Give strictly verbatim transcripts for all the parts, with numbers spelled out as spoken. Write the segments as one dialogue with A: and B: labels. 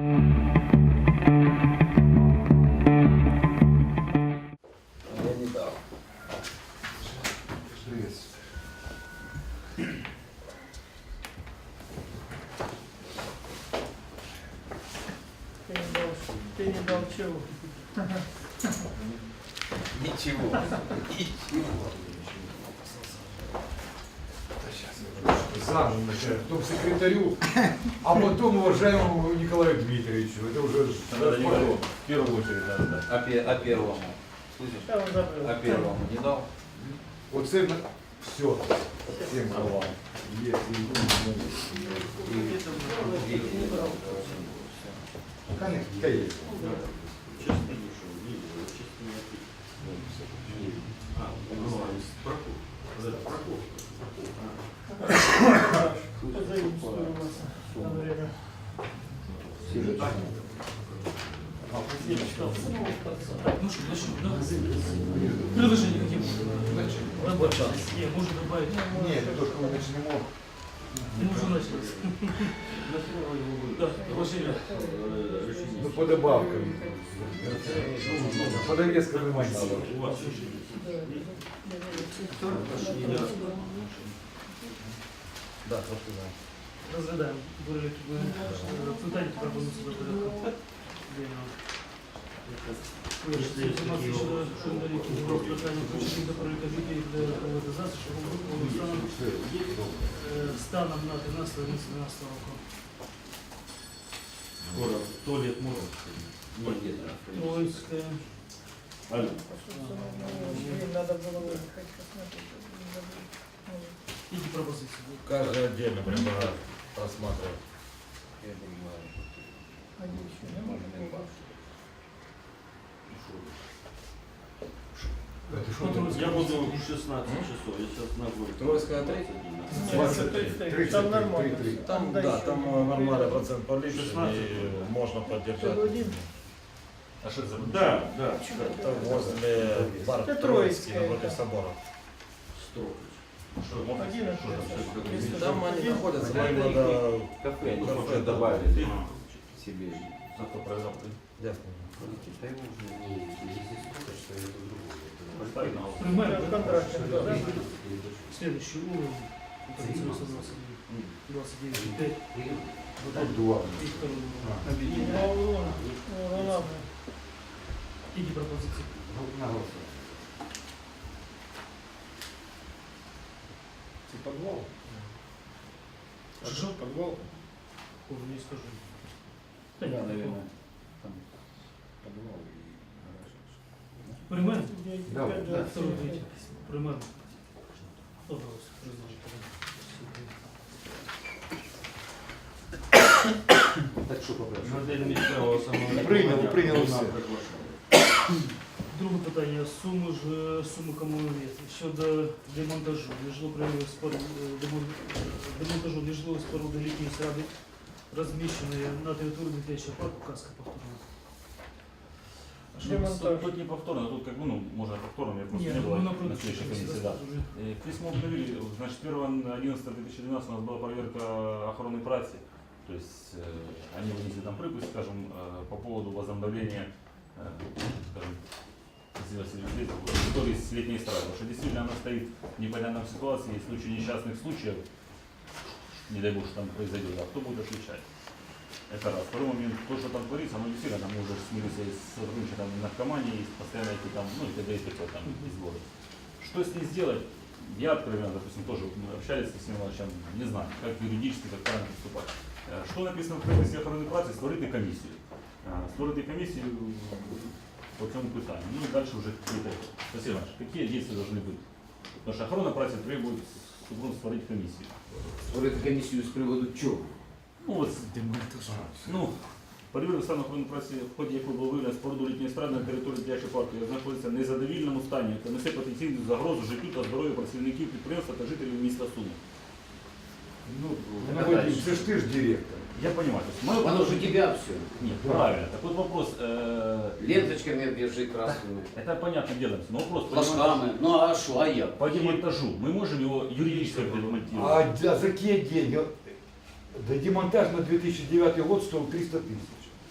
A: не дал.
B: Ты не дал, ты не дал чего?
A: Ничего. Ничего.
C: Заново начинаю, потом секретарю, а потом уважаемому Николаю Дмитриевичу. Это уже...
D: Надо Николаю, в первую очередь надо дать.
A: А, пе- а первому? Слышишь?
B: Я уже забыл.
A: А первому не дал?
C: Вот цельно все. Всем
D: Нормально.
C: есть. Конечно, есть.
B: Позаимствуемся на время.
E: Ну что, начнем, да? Предложение какие будут? Рабочий. Не, можно добавить.
C: Нет, только мы начнем.
E: Мы уже начали. Да, предложение.
C: Ну, по добавкам. По довескам внимания.
A: Да, просто да.
E: Розглядаємо питання пропонується до порядку денного. Вирішити інформацію щодо шумдаліки з розпочатку включення до переліку жителів для приватизації шляхом станом станом на тринадцяте дванадцяте року.
D: Скоро туалет может.
E: Троицьке.
D: Алло.
B: Надо было выехать, посмотреть.
E: Які пропозиції?
D: Каждый отдельно прямо рассматривать.
A: Я понимаю.
B: Они еще не могут.
D: Я буду в шестнадцать часов, я сейчас на год.
A: Троицкая три?
B: Нет, там нормально.
F: Там, да,
B: дальше.
F: там э, нормальный процент повышен, и можно поддержать.
B: Один.
D: А что это за? Да, да.
F: Это возле бара
B: Это
F: Троицкий,
B: Троицкая,
F: напротив
B: да.
F: собора.
D: Что, можно?
B: Один.
A: Там они находятся.
F: Там надо
A: Кафе, они
F: кафе
A: уже
F: добавить.
A: добавили себе.
D: Зато произвел.
F: Ясно.
E: Приймаємо
B: Контракт, да?
E: следующий уровень. двадцать девять пять.
C: Вот два.
E: И второй уровень.
B: Два урона. Урона.
E: Які пропозиції?
C: Це подвал?
E: Що?
C: Подвал?
E: Уже не скажу. Да, нет,
A: наверное.
C: Подвал.
E: Приймаємо?
C: Да,
E: Да, второй, третий. Приймаємо. Пожалуйста,
A: Так что попрошу?
D: Модель місцевого самоврядування.
C: Прийняли, прийняли все.
E: друге питання. Суми ж суми комунальні щодо демонтажу. Нежилоприводних споруд демонтажу нежилої споруди літньої сради, розміщеної на території дитячого парку Казка повторна.
B: Демонтаж.
D: Тут не повторно, тут как бы, ну, можно повторно, я просто
E: Нет,
D: не
E: ну,
D: было
E: на
D: на следующей комиссии, да.
E: уже.
D: Э, Письмо обновили, значит, первого одиннадцатого две тысячи двенадцатого у нас была проверка охранной працы, то есть э, они вынесли там припись, скажем, э, по поводу возобновления, э, скажем, территории с летней эстрадой, потому что действительно она стоит в непонятной ситуации, есть случаи несчастных случаев, не дай бог, что там произойдет, а кто будет отвечать? Это раз. Второй момент, то, что там творится, оно действительно, там мы уже смирились с сотрудничеством на наркомании, есть постоянно эти там, ну и т.д. и т.п. там из города. Что с ней сделать? Я откровенно, допустим, тоже мы общались с Сергеем Ивановичем, не знаю, как юридически, как правильно поступать. Э, Что написано в приписи охорони праці, створити комісію. Э, Створити комісію по цьому питанню. Ну и дальше уже какие-то, Сергей Иванович, какие действия должны быть? Потому что охрана праці требует супрун створить комиссию.
A: Створити комісію з приводу чого?
D: Ну, от, ну, перевірка стану охорони праці, в ході якої було виявлено споруду літньої естради на території дитячого парку, яка знаходиться в незадовільному стані та несе потенційну загрозу життю та здоров'ю працівників підприємства та жителів міста Суми.
C: Ну, Вадим, ты ж ты ж директор.
D: Я понимаю. То есть, мое
A: Оно же у
D: предложение-
A: тебя все.
D: Нет, правильно. Так вот вопрос. э,
A: Ленточками обвяжи красными,
D: Это понятно дело. Но вопрос по
A: флажками. Ну а что, а я?
D: по демонтажу. Мы можем его юридически
C: А
D: демонтировать?
C: да, за какие деньги? Да демонтаж на две тысячи девятый год стоил триста тысяч.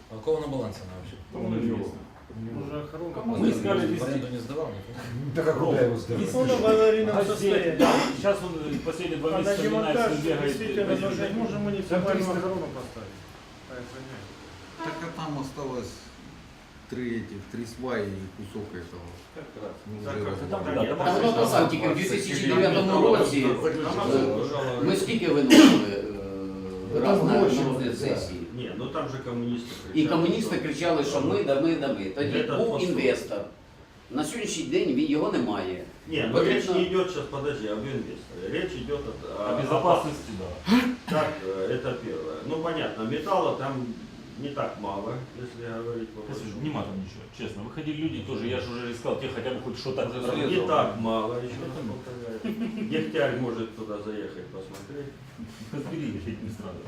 F: А у кого на балансе она вообще?
D: Кому неизвестно.
B: Уже охорона.
D: Мы искали
F: В
D: везде.
F: аренду не сдавал никто?
C: Так как куда его сдать?
B: Он в аварийном
D: Газет,
B: состоянии.
D: да. Сейчас он э, последние два
B: А на
D: месяца
B: демонтаж
D: меняется, бегает.
B: действительно
D: возит.
B: нужно, можем муниципальную охрану поставить. по охранять.
G: Так а там осталось три этих, три сваи и кусок этого.
A: Как раз.
G: Ну,
F: Так,
G: уже
F: как
G: разобрали.
D: там,
A: Та
D: да, там
A: воно то сам, тільки в дві тисячі дев'ятому році е, ми скільки виносили е, раз на розгляд сесії.
H: Не, ну там же коммунисты кричали.
A: І комуністи кричали, що ми, да ми, да ми. Тоді
H: Этот
A: був
H: посол.
A: інвестор. На сьогоднішній день він- його немає.
H: Не, ну
A: Потрібно-
H: речь не идет сейчас, подожди, об инвесторе. Речь идет о,
D: О безопасности, да.
H: Так, э, это первое. Ну понятно, металла там не так мало, если говорить по
D: Слушай,
H: большому.
D: нема там ничего, честно. Выходили люди тоже, я же уже искал, те хотя бы хоть что-то.
H: Не так мало еще. Дегтярь может туда заехать посмотреть.
D: Разбери, решить не сразу.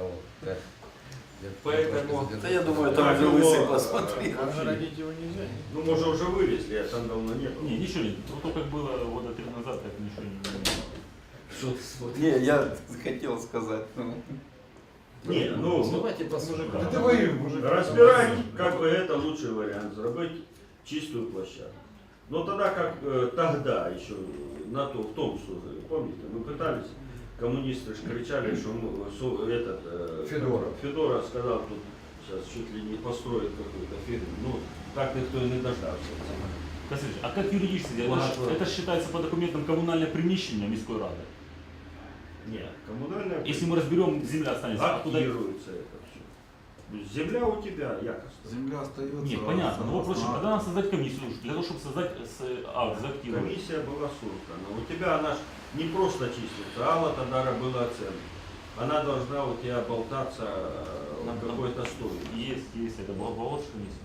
H: Поэтому...
G: Да я думаю,
H: там
G: там
H: же
G: же
H: лысый
G: лысый
B: А огородить его нельзя.
H: Ну, может, уже вывезли, а там давно не было.
D: Не, ничего нет. Вот то, как было года три назад, так ничего не было.
G: Не, я хотел сказать. ну.
H: Не, ну,
F: Давайте посмотрим.
C: Да ты воюй, мужик.
H: разбирать, как бы это лучший вариант, сделать чистую площадку. Но тогда, как э, тогда еще, на то, в том случае, помните, мы пытались, коммунисты ж кричали, что мы, су- этот, э,
C: Федоров.
H: Федоров сказал, тут сейчас чуть ли не построит какую-то фирму. Ну, так никто и не дождался.
D: Касыч, а как юридически? Это, ж-
H: Ладно.
D: это считается по документам коммунальное приміщення міської ради.
H: Нет, коммунальная
D: Если мы разберем, земля останется. А куда?
H: актируется это все. Земля у тебя, якобы.
G: Земля остается.
D: Нет, понятно. Но вопрос,
G: Ага.
D: когда надо создать комиссию, для того, чтобы создать с, акт, заактивировать.
H: Комиссия была создана. У тебя она ж не просто числится, а вот тогда была оценка. Она должна у тебя болтаться э,
D: Нам-
H: в какой-то стоимости.
D: Есть, есть, это была Волжская комиссия.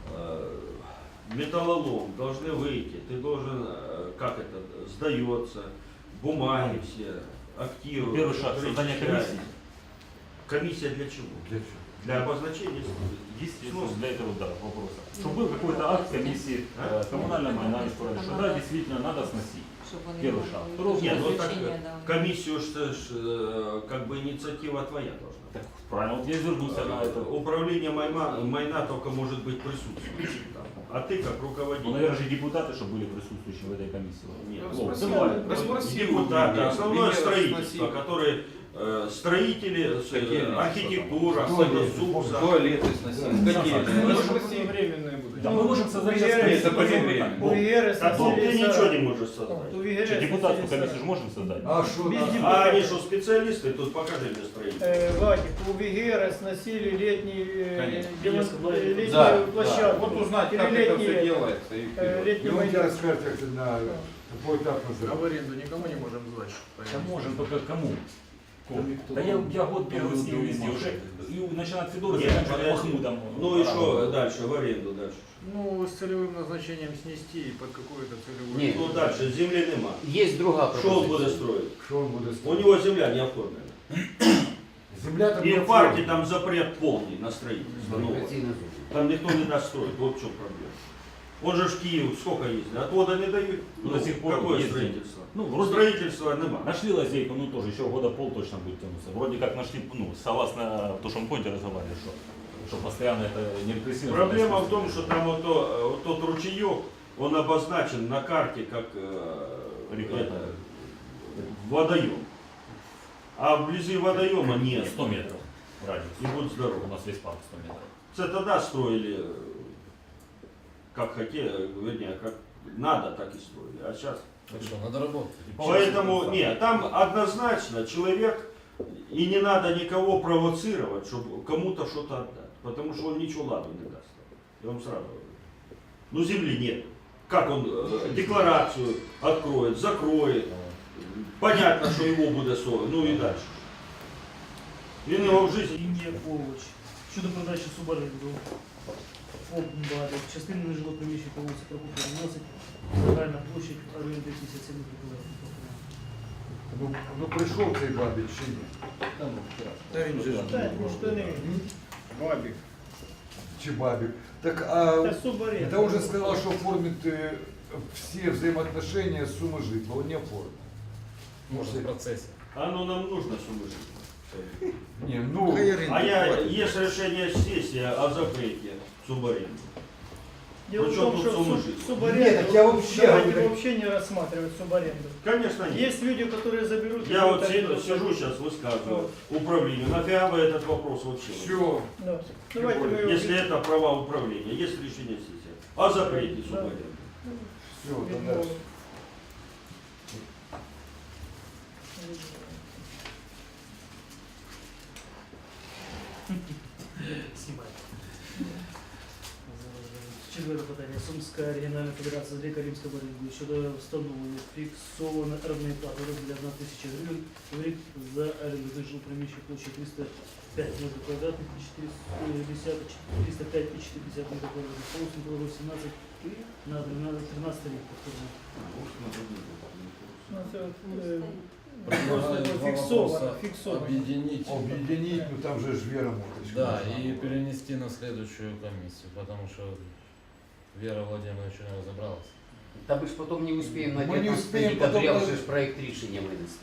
H: Э, Металлолом должны выйти, ты должен, э, как это, сдается, бумаги все, активы.
D: Первый шаг создания комиссии.
H: Комиссия для чего?
C: Для чего?
H: Для обозначения.
D: Естественно, для этого, да, вопроса. Чтобы был какой-то акт комиссии э, коммунальной майна, что да, действительно надо сносить. Первый шаг. Второй
H: Нет, ну так
I: Заключение,
H: э,
I: да.
H: комиссию ж, э, ж, э, как бы инициатива твоя должна.
D: Так, правильно, вот я извернулся на это.
H: Управление майна, майна только может быть присутствующим там. А ты как
D: Ну,
H: руководитель.
D: наверное, же депутаты, чтобы были присутствующие в этой комиссии.
H: Нет,
D: Вот,
G: спроси,
D: давай.
G: расспроси.
H: Депутаты,
G: Нет,
H: основное
G: нет,
H: строительство,
G: спроси.
H: которые э, строители, с-
G: Какие они?
H: архитектура,
C: Туалеты,
H: СУСа.
G: Туалеты сносили. Какие?
C: Ну,
G: Ну,
C: спроси.
B: Временные будут.
D: Да мы можем создать
B: Ну,
D: сейчас
B: я-
D: комиссию.
G: это по-времени.
B: У ВГР
H: А тут ты
B: сносили
H: ничего
B: сарай.
H: не можешь создать.
B: У ВГР
D: Что, депутатскую
B: сносили
D: комиссию же
B: сарай.
D: можем создать?
C: А что
B: Без
C: надо?
B: депутатов.
H: А они что, специалисты? Тут покажи мне строителей.
B: Э, Вадик, у ВГР сносили летний, э,
G: Конечно.
B: демон- э, летнюю
G: Да,
B: площадку.
G: Вот узнать, как
B: Или
G: это
B: летний,
G: все делается. И
B: э,
G: вперед.
B: летний
C: И он тебе
B: майдан.
C: расскажет, как ты на какой этап
B: А
C: называешь.
B: в аренду никому не можем сдать.
D: Да можем, только кому? Да я, я год бегаю с ним везде уже. И начиная от Федора,
H: Нет,
D: заканчивая
H: подожди.
D: Махмудом.
H: Ну и что дальше, в аренду дальше?
B: Ну, с целевым назначением снести и под какую-то целевую.
A: Нет.
H: Ну дальше, земли нема.
A: Є друга
H: Что он будет
A: пропозиція.
H: строить?
C: Что он будет
H: У
C: строить?
H: него земля не оформлена.
C: Земля там
H: И
C: не
H: в парке
C: оформлена.
H: там запрет полный на строительство. Ну,
A: Кваліфікаційна зона.
H: там никто не даст строить, вот в чем проблема. Он же в Киев сколько ездит, отвода не дают.
D: Ну, до сих пор
H: какое
D: ездит.
H: строительство?
D: Ну, вроде
H: Строительства нема.
D: нашли лазейку, ну тоже еще года пол точно будет тянуться. Вроде как нашли, ну, согласно то, что мы поняли, разговаривали, что, что постоянно это не репрессивно.
H: Проблема в том, что там вот, то, вот тот ручеек, он обозначен на карте как э,
D: Река.
H: это, водоем. А вблизи водоема нет.
D: сто метров радиус.
H: И будь здоров.
D: У нас весь парк сто метров.
H: Это тогда строили э, как хотели, вернее, как надо, так и строили. А сейчас.
F: Так что, надо работать.
H: Поэтому, нет, там однозначно человек, и не надо никого провоцировать, чтобы кому-то что-то отдать. Потому что он ничего ладу не даст. Я вам сразу говорю. Ну земли нет. Как он э, декларацию откроет, закроет. Понятно, что его будет сорок. Ну и дальше. Він його в жизни.
E: Лінія Ковач. Щодо продачі суборенду. ФОП «Бади». Частина нежилого приміщення по вулиці Прокопія вносить загальна площадь оренди п'ятдесят сім квадратних.
C: Ну, ну пришел цей бабич чи ні?
G: Да, він же ж
B: Да, ну что не. Бабик.
C: Чи бабик? Так, а
B: Это субаренда.
C: это он же сказал, что оформит э, все взаимоотношения с суммы житла. Он не оформит.
F: Может, в процессе.
H: А ну нам нужно суммы жить.
C: Не, ну,
G: Хай оренду
H: А я,
G: платять.
H: есть решение сессии о запрете субаренды.
E: Дело в
H: Причем
E: том,
H: тут
E: что
H: сумма
E: суб-
H: жизни?
E: субаренду,
C: Нет, так я вообще
E: давайте
C: говорю-
E: вообще не рассматривать субаренду.
H: Конечно, нет.
E: Есть люди, которые заберут... и
H: Я вот
E: будут
H: си-
E: арендовать.
H: сижу сейчас, высказываю управлению. Нафига вы этот вопрос вообще?
C: все.
E: Да. Давайте мы его...
H: Если это права управления, есть решение сессии о запрете субаренды.
C: Все, тогда.
E: Видно. Снимай. Четверте питання. Сумська регіональна федерація з Греко-Римської боротьби щодо встановлення фіксованої орендної плати у розмірі одна тисяча гривень в рік за оренду жилого приміщення площею триста п'ять метрів квадратних і чотириста п'ять і чотириста метрів квадратних. Полосом було сімнадцять на тринадцять рік. повторно. Ну, це, е, Просто
F: Предлагаю два
E: фиксовано,
F: вопроса
E: фиксовано.
F: объединить.
C: Объединить, ну там же ж Вера Моточка.
F: Да, и перенести на следующую комиссию, потому что Вера Владимировна еще не разобралась.
A: Та ми ж потім не успіємо на
C: Ми не
A: дев'ятнадцяте
C: успіємо
A: декабря
C: потім-
A: вже ж проект рішення винести.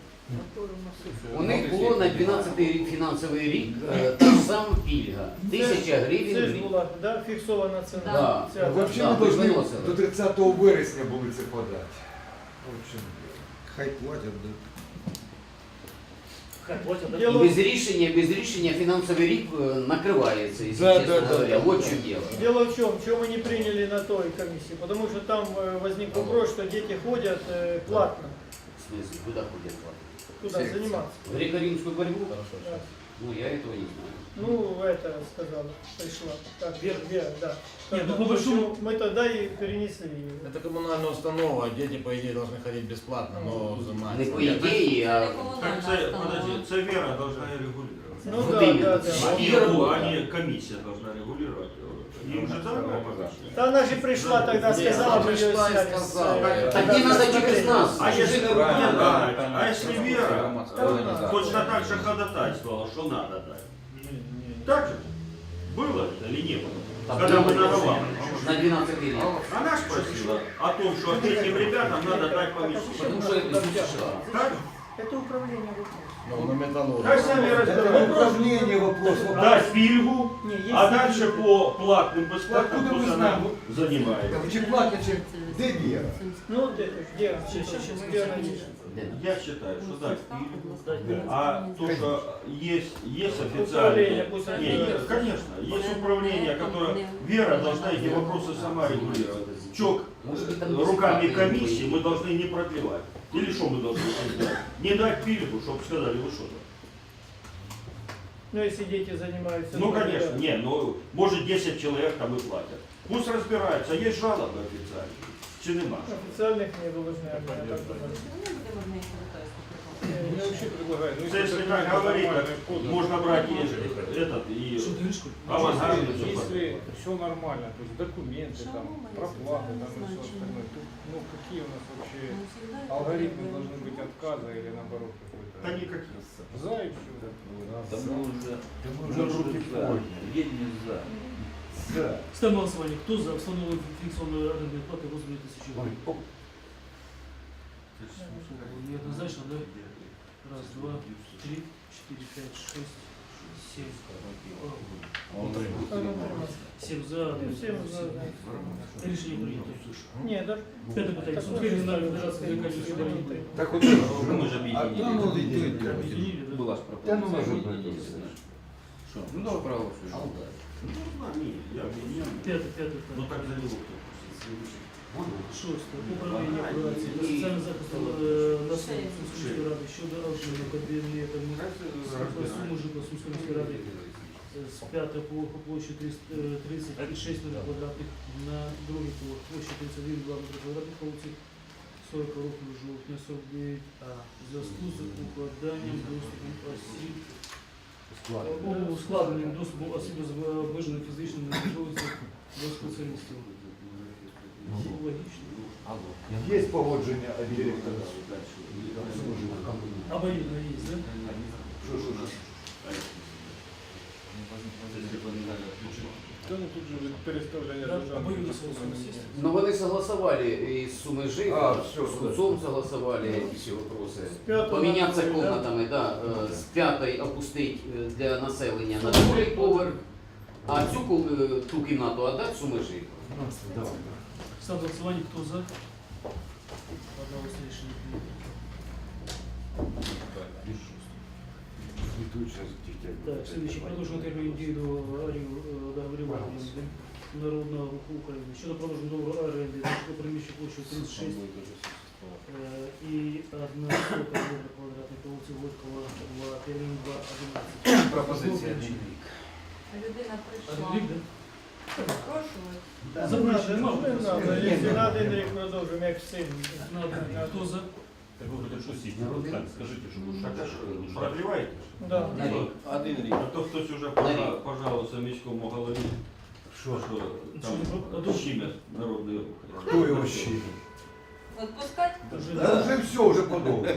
A: У них було на дванадцятий рік фінансовий рік е, та ж сама пільга. Тисяча гривень
E: Це
A: в
E: ж
A: рік.
E: була, да, фіксована ціна.
A: Да.
E: Ця,
C: Ну, вообще
A: Да,
C: мы
A: ви ж
C: должны
A: виносили.
C: до тридцатого вересня були це подати. В общем,
G: Хай платять, да.
E: Хай платять, да?
A: І
E: Дело,
A: без рішення, без рішення фінансовий рік е, накривається, якщо
C: Да,
A: чесно
C: да, да,
A: говоря.
C: да,
A: Вот
C: да.
A: що діло.
E: дело в чем, чего мы не приняли на той комиссии, потому что там э, возник вопрос, что дети ходят э, платно
A: В смысле, куди ходять платити?
E: туда
A: Секция.
E: заниматься.
A: В греко-римскую борьбу?
E: Да.
A: Ну, я этого не знаю.
E: Ну, это сказала, пришла. Так, Вера, Вера, да. Нет, ну, Тогда, по большому- мы тогда и перенесли ее.
F: Это коммунальная установа, дети, по идее, должны ходить бесплатно, но
A: Не
F: взимать.
A: по ідеї, а
H: Так це, подожди, це Вера должна регулировать.
E: Ну
A: Вот
E: да,
A: именно.
E: да, да.
A: А
H: Они,
A: Вера,
H: ну,
A: да.
H: они, комиссия должна регулировать. Им же дано помощь.
E: Да она же пришла тогда, сказала,
A: она
E: мы ее
A: пришла и
E: сняли.
A: сказала.
E: с-
A: Так не надо через нас.
H: А если,
A: Чужими
H: нет,
A: руками.
H: да, а если Вера
E: Да.
H: точно так же ходатайствовала, что надо дать? Так же? Было это или не было?
A: Так,
H: Когда мы
A: было.
H: наговаривали.
A: На двенадцатый рік.
H: Она спросила о том, что этим ребятам надо дать помещение.
A: Потому що це США.
H: Так?
E: Это управление вопросом.
F: Ну, на металлургии.
H: Как сами
C: это
H: разбираются.
C: управление вопрос.
H: Дать пильгу,
E: Не, есть
H: а
E: такие-
H: дальше по платным, бесплатным
C: Откуда мы
H: пусть она
C: знаем?
H: занимается.
C: Там чи платно, чи де Вера?
E: Ну вот это, где, сейчас, сейчас, где она есть?
A: Де?
H: Я считаю, что дать пильгу.
E: Дать.
H: А то, что есть, есть
E: Управление,
H: официальное,
E: пусть
H: не,
E: разбирается.
H: нет, конечно, есть управление, которое, Вера должна эти вопросы сама регулировать. Чок
A: Может быть, там
H: руками
A: бесплатные
H: комиссии
A: будет.
H: мы должны не продлевать. Или что мы должны сделать? Не дать пильгу, чтобы сказали, вы что-то.
E: Ну если дети занимаются...
H: Ну,
E: да.
H: конечно, не, ну, может десять человек там и платят. Пусть разбираются, есть жалобы официальные. Чи нема?
E: Официальных не должны, я так думаю.
C: Я вообще предлагаю, ну,
H: Це, если так говорить, так можно брать и этот, и
E: Что ты говоришь?
H: авангард. и всё
C: Если все нормально, то есть документы, там, проплаты, там и все остальное, тут, ну какие у нас вообще алгоритмы должны быть отказа или наоборот какой-то?
H: Да никаких.
C: За и все.
I: Да мы уже,
C: Мы
I: уже
C: уже
I: руки
C: руки
I: за,
C: подняли.
I: едем за.
C: За.
E: Ставим на голосование. Кто за установление фиксированной арендной платы в размере тысячи
C: Ой,
E: рублей?
C: оп.
E: Неоднозначно, да? Раз, два, три, четыре, пять, шесть, семь. Семь за.
B: Всем за.
E: Решение принято.
B: Ні, да.
E: Пятое питание. Сумская региональная федерация Греко-Римской борьбы.
C: Так вот,
H: Мы же
G: А
H: объединили.
G: там вот идет.
E: Объединили, да?
A: Була ж
C: Та ну,
A: пропозиція.
C: може
A: ні,
C: бути.
A: ні, ні. Що? Ну, давай проголосуємо.
H: Ну, а, не, я объединил.
E: Пятое, пятое
H: Ну
E: питание.
H: так за него.
E: Шосте. Управління праці та соціального захисту е, населення Сумської міської ради щодо розширення кабінетами суму житла Сумської міської ради е, з п'ятого поверху площі тридцять шість метрів квадратних на другий поверх площі тридцять один метрів квадратних по вулиці сорок року жовтня сорок дев'ять А в зв'язку з укладанням доступом осіб у складенням доступу осіб з обмеженою фізичною можливістю до спеціалістів. Ну, логічно.
C: есть погодження від директора.
E: Обоюдно есть, да?
C: Що, що, що? Це не тут же переставлення
E: Да,
C: державних
E: обоюдно
C: республік.
E: согласились.
A: Но вони согласовали и с суммой жить,
G: А,
A: с
G: всё,
A: Куцом согласовали эти все вопросы.
B: пятого
A: Поменяться
B: на другой, да?
A: комнатами, да, е, з п'ятої опустити е, для населення на другий поверх, а цю ку- е, ту кімнату віддати суми жити.
E: Ставлю на голосування, хто за? Одноголосне рішення прийнято. Так, следующий. Продовжено термін дії до договорів оренди Народного руху України. Щодо продовження договору оренди на приміщення площею тридцять шість е, і одна сота метра квадратних по вулиці Горького в термін два одинадцять.
G: Пропозиція.
I: Людина прийшла.
E: Один рік, да?
I: Спрашивает.
B: Да, не
E: Запрошую,
B: надо,
E: мало.
B: не надо. Если надо, один рік продовжимо, як син.
E: На один рік. Хто за?
D: Так вы хоть шутите,
A: Народный?
D: так, скажите, что уж
H: Так, а що,
D: уж
H: продліваєте?
B: Да.
A: На рік.
G: Один рік.
H: А то хтось уже
A: На
H: пожа-
A: рік.
H: пожалувався міському голові,
G: Що?
H: що
E: Що,
H: там
E: ну,
H: щемять народний рух.
G: Хто його щит?
I: Отпускать?
E: Вже
G: Да уже все, уже подобно.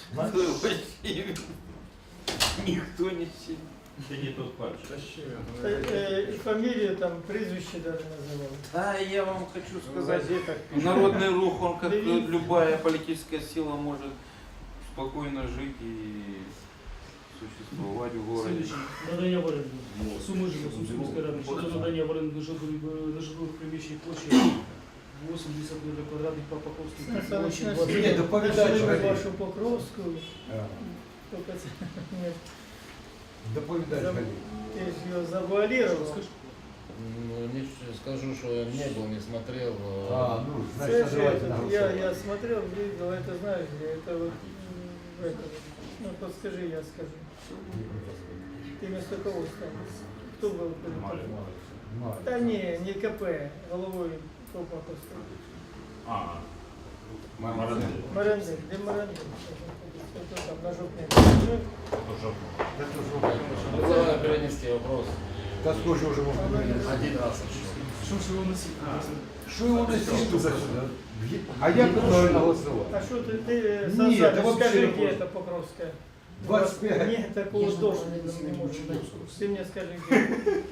H: Ніхто не сів. Це не тот пальчик.
B: Та, е, І фамілію, там, прізвище даже називали.
J: Да, я вам хочу
B: В
J: сказать,
B: газетах.
J: народный рух, он как
B: Дивіться.
J: любая политическая сила может спокойно жить и существовать в городе.
E: Слідуючий. Надання в оренду. Суми житло Сумської міської ради. Щодо надання в оренду житлових нежитлових приміщень площі вісімдесят метрів квадратних по Покровській
B: Це
E: площі
B: начнеться.
E: двадцять.
G: Ні, доповідач
B: Нашли
G: Валерій.
B: вашу Покровську. Только це, ні,
G: Доповідач
B: Зам-
G: Галій.
B: ти ж його завуалірував.
E: Скажи.
F: Ну, не ш- скажу, что я не был, не смотрел. э,
G: А, ну,
B: Це
G: значит,
B: же
G: давайте на
B: этот, я,
G: голосование.
B: я смотрел, видел, это знаешь, где это вот м, в этом. Ну подскажи, я скажу. Ты вместо кого стал? Кто был? перед тобой?
G: Мало.
B: Да не, не КП, головой Колпаковского.
D: А, Марандей.
B: Марандек, где Марандек? Кто там на жопне?
D: Тоже.
G: Это же
F: Предлагаю перенести вопрос.
G: Да сколько уже можно говорить?
F: Один раз еще.
E: Що ж його носити?
G: Что его носить туда-сюда? А я правильно голосовал.
B: А что ты, ты
G: Нет,
B: Сансаныч,
G: да вообще
B: скажи,
G: вопрос.
B: где это Покровская?
G: двадцать пять.
B: Нет, такого тоже не может быть. Ты мне скажи, где?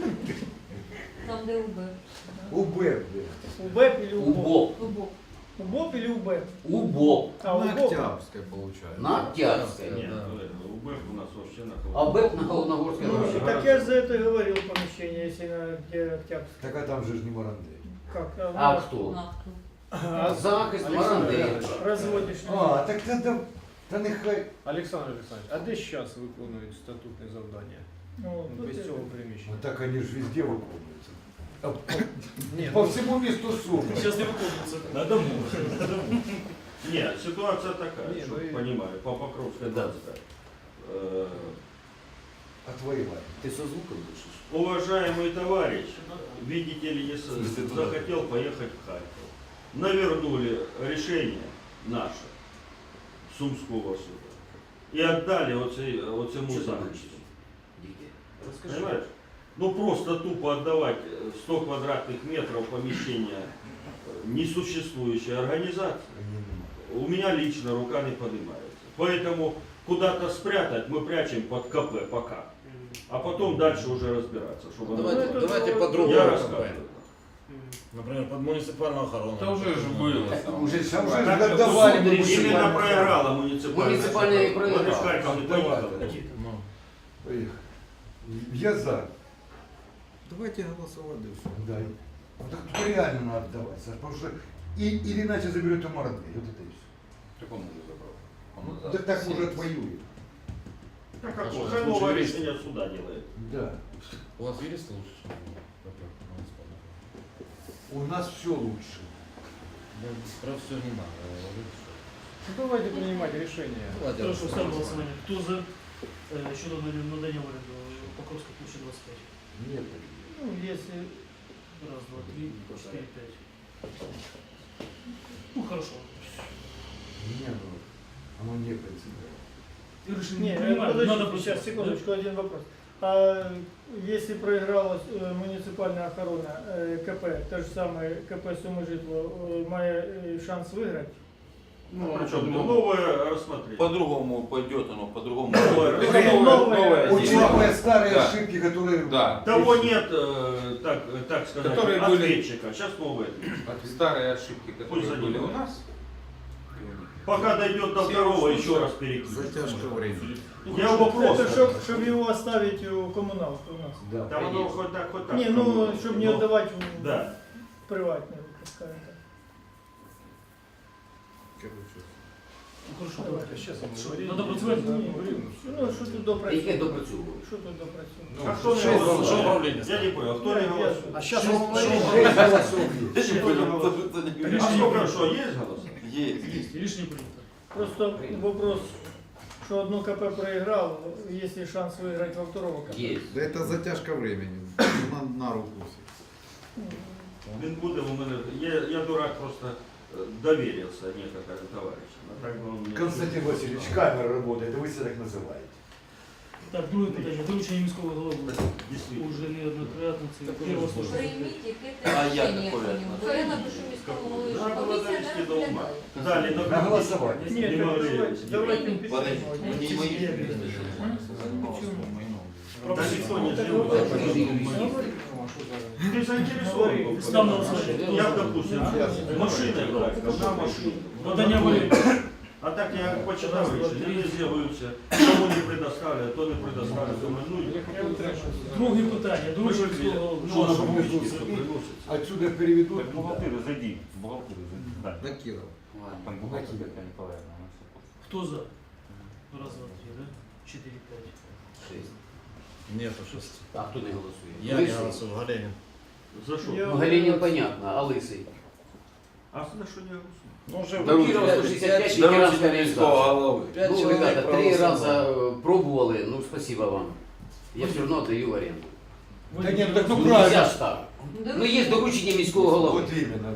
I: Там, де УБ.
G: УБ.
B: УБЭП или УБОП?
A: Убок.
I: УБО.
B: УБОП или УБЭП?
A: Убок.
B: А,
G: На
B: УБОП.
G: Октябрьская получается.
A: На Октябрьской.
H: Ні,
F: Да.
H: ну, УБЕФ у нас вообще на
A: А БЭП на Холодногорской
B: Ну,
A: вообще.
B: так я же за это и говорил помещение, если на где Октябрьская.
G: Так а там же ж не Марандей.
B: Как?
A: А
B: на-
A: хто?
I: Нафту.
B: А,
A: Захист Марандей.
B: разводишь.
G: А, так тогда, та нехай.
C: Олександр Олександрович, а де зараз виконують статутне завдання?
B: Ну,
C: Ну,
B: тут
C: без
B: это-
C: цього
G: Ну
C: приміщення.
G: так они же везде выполняются. А по-
C: Ні,
G: По
C: ну,
G: всему месту Сумы.
E: Зараз не виконується.
D: На дому. На дому.
H: Ні, ситуація така,
C: Ні,
H: щоб
C: ну і-
H: розуміли, по Покровській Дацька. Е,
G: Отвоевали.
A: Ты со звуком дышишь?
H: Уважаемый товарищ, видите ли, не с- захотел поехать в Харьков. Навернули решение наше Сумского суда и отдали оцей, оцему
A: Что ты
H: захисту.
A: будешь? Дикий. Расскажи.
H: Понимаешь? Ну просто тупо отдавать сто квадратных метров помещения несуществующей организации. У меня лично рука не поднимается. Поэтому куда-то спрятать мы прячем под КП пока. А потом дальше уже разбираться. Чтобы оно
F: Давайте,
B: Ну, это
F: давайте
B: было-
F: по-другому.
H: Я
F: КП.
H: рассказываю.
F: Например, под муниципальную охрану.
J: Это уже ж было.
A: Так уже ж
G: Там
A: давай.
G: же отдавали
A: суд
G: мы
A: решил.
H: Именно
G: муниципальную
H: проиграла муниципальная.
A: Муниципальная и проиграла.
H: Вони ж Харків не поїхали.
F: Ну,
G: Поехали. Я за. Давайте голосовать, да все. Да. Вот так тут реально надо отдавать, Саш, потому что и, или иначе заберет у Марандей. Вот это и все.
J: Так он уже забрал. Он
G: Ну,
J: назад.
G: так, так уже отвоюет.
H: Так как
F: Хорошо,
H: уже
F: лучше
H: новое
F: юрист.
H: решение суда делает.
G: Да.
F: у вас юрист лучше, чем КП муниципальная?
G: У нас все лучше.
F: Да, про все не надо говорить, что-
C: Ну, давайте приймати рішення.
F: Давайте
E: Хорошо, ставлю
F: голосовать.
E: голосування. Хто за е, щодо надання в оренду Покровська площа двадцять п'ять?
G: Нет.
B: Ну, если
E: Раз, два, три, четыре, пять. Ну хорошо.
G: Не, ну, оно не принципиально.
E: Ты решил
B: Не,
E: не
B: э,
E: принимать,
B: подождите,
E: надо
B: сейчас,
E: просто-
B: секундочку, один вопрос. А если проиграла э, муниципальная охрана э, КП, то же самое КП Сумы Житло, э, має э, шанс выиграть?
H: Ну, причем новое рассмотрение.
J: По-другому пойдет оно, по-другому.
H: Новое
J: Это
H: рассмотрение.
J: новое, новое дело.
G: Учитывая старые
J: Да.
G: ошибки, которые...
J: Да.
H: Того нет, э, так, так сказать,
J: Которые были-
H: ответчика. Сейчас новое.
J: Старые ошибки, которые
H: Пусть
J: были у
H: занимаются.
J: нас.
H: Пока дойдет до
J: Все
H: второго,
J: ушли.
H: еще раз перекинем.
G: Затяжка времени.
H: Я вопрос.
B: Это чтобы его оставить у коммуналки у нас.
G: Да.
H: Там оно хоть так, хоть так.
B: Не, ну, чтобы не
H: Но-
B: отдавать в
H: Да.
B: приватные, скажем так.
E: Ну, хорошо, давайте.
C: Сейчас мы
E: Що,
C: говорили.
E: Надо працювати?
B: Ну, що тут
A: Яке
B: допрацювати?
A: допрацьовує?
B: Що тут допрацювати?
J: Ну,
H: А кто не
J: что-
H: голосует?
J: что управление
H: Я не понял, кто не
B: Я-
H: голосует?
B: я-
C: А сейчас
E: Шесть-
C: он
E: шесть-
G: Шесть голосов есть.
H: Кто не голосует? А сколько, что, есть голос?
J: Есть.
E: Рішення прийнято.
B: Просто вопрос, что одно КП проиграл, есть ли шанс выиграть во второго КП?
A: Є.
K: Да это затяжка времени. На, на руку.
H: Він буде у мене. Я, я дурак просто э, доверился некоторым товарищам. А так бы он мне-
G: Константин Васильевич, камера работает, вы себя так называете.
E: Так, друге питання. Доручення міського голови.
H: Действительно.
E: Уже неоднократно це перше слушання.
I: Прийміть
J: А
I: яке
J: як
I: рішення
J: такое?
I: по ньому. Бо я напишу міському голові, що
H: Надо было
I: комісія
H: довести
I: не
H: до ума.
I: розглядає.
H: Дали на
G: На голосование.
B: Нет,
H: Не
B: так
H: могли
B: давайте,
H: сделать.
B: давайте
J: Подожди,
B: підтримувати.
J: не мои.
H: Да никто не
B: Так
H: сделал.
B: вот,
H: Ты заинтересован был.
E: Став на голосування.
H: Я, допустим, машиной брать, на машину.
E: Надання волі.
H: А так я почитав рішення, не з'явився, кому не предоставляють, то не предоставляють. Думаю, ну,
E: Друге питання. Доручення міського голови.
H: ну, а що бумажки приносять?
G: Отсюда переведут.
D: Так, бухгалтерию зайди, в бухгалтерию зайди. Да.
K: Да, Киров.
D: Там бухгалтерия Татьяна Николаевна, она всё помнит.
E: Хто за? Раз, два, три, да? Чотири, п'ять.
A: Шесть.
F: Нету шести.
A: А хто не голосує?
F: Я не
A: Лисий?
F: голосую, Галенин.
H: За що?
B: Я-
A: Ну, Галінін понятно, а Лисий?
H: А за що не голосують?
F: Ну, уже
A: Доручення Кирова сто шістдесят п'ять, ветеранська організація.
F: Пять
A: Ну,
F: человек
A: ребята, три
F: проголосовало.
A: раза э, пробовали, ну, спасибо вам. Я все равно отдаю в аренду.
G: Да нет, так ну
A: Ну, нельзя
G: правильно.
A: ж так. Ну, є доручення міського голови.
G: Вот именно.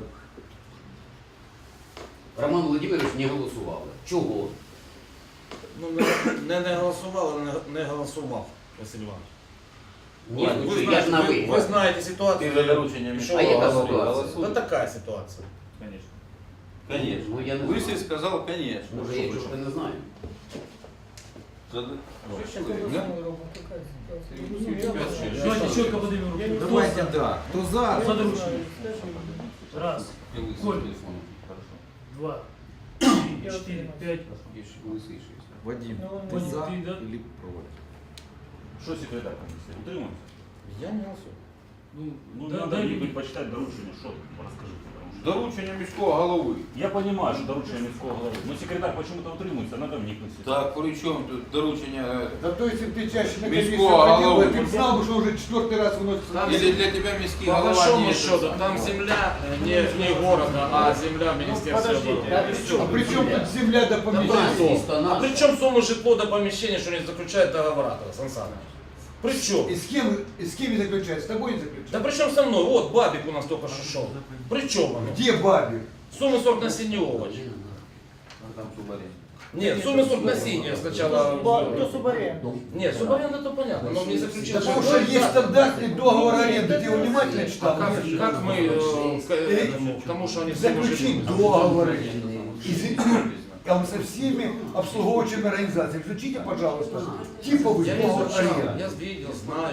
A: Роман Володимирович не голосував. Чого?
F: Ну, не, не голосував, не, не голосував, Василь Іванович.
A: Ні,
F: Ладно,
A: ну,
F: ви,
A: що, я ж на
F: знаєте,
A: ви.
F: ви, ви знаєте ситуацію.
D: Ты за доручением
F: І
D: міського
F: що
A: А яка
F: ви
A: ситуація?
F: голосуєте? Да такая ситуація.
D: Конечно.
J: Конечно.
A: Ну, я не
J: Лысый
A: знаю.
J: сказал, конечно.
A: Може, я чого не знаю.
J: За-
B: Що
J: Да?
B: ми робимо? Така ситуація. Ну, я
J: П'ять,
B: знаю.
J: шість.
E: Давайте чітко подивимо
B: Я
E: руки.
B: не
E: Хто
K: Давайте,
E: за?
K: да. Кто за?
B: Я
E: За
B: не
E: доручення.
B: знаю, скажи.
E: Раз,
J: И лысый
E: Коль.
J: телефон.
D: Хорошо.
E: два,
B: Я
E: три, чотири,
B: отримав.
E: п'ять.
A: Лисий шість.
K: Вадим,
B: Ну,
K: ты
E: Вадим,
K: за
E: ты, да?
K: или против?
D: Что секретарь комиссии? Утримуємося?
F: Я не голосую.
E: Ну,
D: Ну,
E: да,
D: надо
E: дай
D: ніби
E: мені.
D: почитати доручення, що тут, розкажіть. Потому що-
J: Доручення міського голови.
D: Я понимаю, что доручение міського голови, но секретарь почему-то утримуется, надо вникнуть.
J: Так, при чому тут доручення?
G: Да то если бы ты чаще на комиссию
J: Міського
G: ходил,
J: голови.
G: бы, ты б знал, бы, что уже четвертый раз выносится.
J: Или для тебя міський
F: По
J: голова
F: большому
J: не
F: счету, там земля э, не, не города, а земля Министерства
B: подождите,
F: обороны.
A: а
G: А при чем тут земля до помещения?
A: Місто
F: А
A: наше.
F: при чем сумма житло до помещения, что не заключает договора, Сан Саныч? При чем?
G: И с кем, и с кем не заключает? С тобой не
F: Да
G: заключает?
F: при чем со мной? Вот Бабик у нас только что шел. При чем оно?
G: Где Бабик?
F: Суммы сорт насіння овоч.
J: Там субарен.
F: Нет, суммы сорт насіння сначала.
B: Хто субаренду?
F: Нет, субаренда то понятно, но мне заключил.
G: Да потому что есть стандартный договор аренды, ты его внимательно
F: А
G: читал?
F: как, как мы э, к, этому, к тому, что они все
G: Заключить договор и за- там со всеми обслуговывающими организациями. Включите, пожалуйста, типовый
F: Я
G: договор
F: изучал,
G: аренды.
F: я видел, знаю.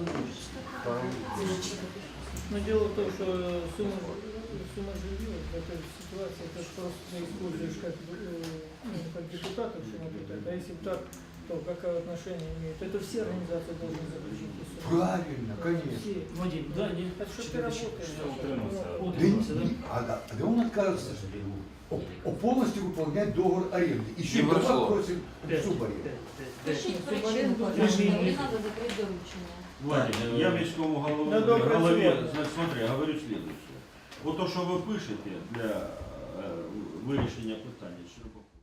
B: Но дело в том, что сумма, сумма жилья в этой ситуации, это ж просто ты используешь как, э, ну, как депутатов, что например, а если бы так, то какое отношение имеет? Это все организации должны заключить. эту сумму.
G: Правильно, конечно.
B: Все.
E: Вадим, да, ні?
B: Это что ты
E: Чотири,
B: работаешь?
E: чотири.
D: утримався.
G: Да,
E: Утримався, да?
G: не- а, да, да он отказывается о- о полностью выполнять договор аренды. Еще и
J: Не
G: дома
J: прошло.
G: просит
E: П'ять,
G: субаренду.
E: п'ять, п'ять, п'ять.
I: Пишіть
B: Субаренду
I: причину,
B: платить.
I: пожалуйста,
E: Режим
I: мені
E: є.
I: треба закрити доручення.
H: Владимир, я міському голові,
B: Да, добре,
H: голові,
B: сьогодні.
H: значить, смотри, говорю следующее. Вот то, що ви пишете для е, вирішення питання, що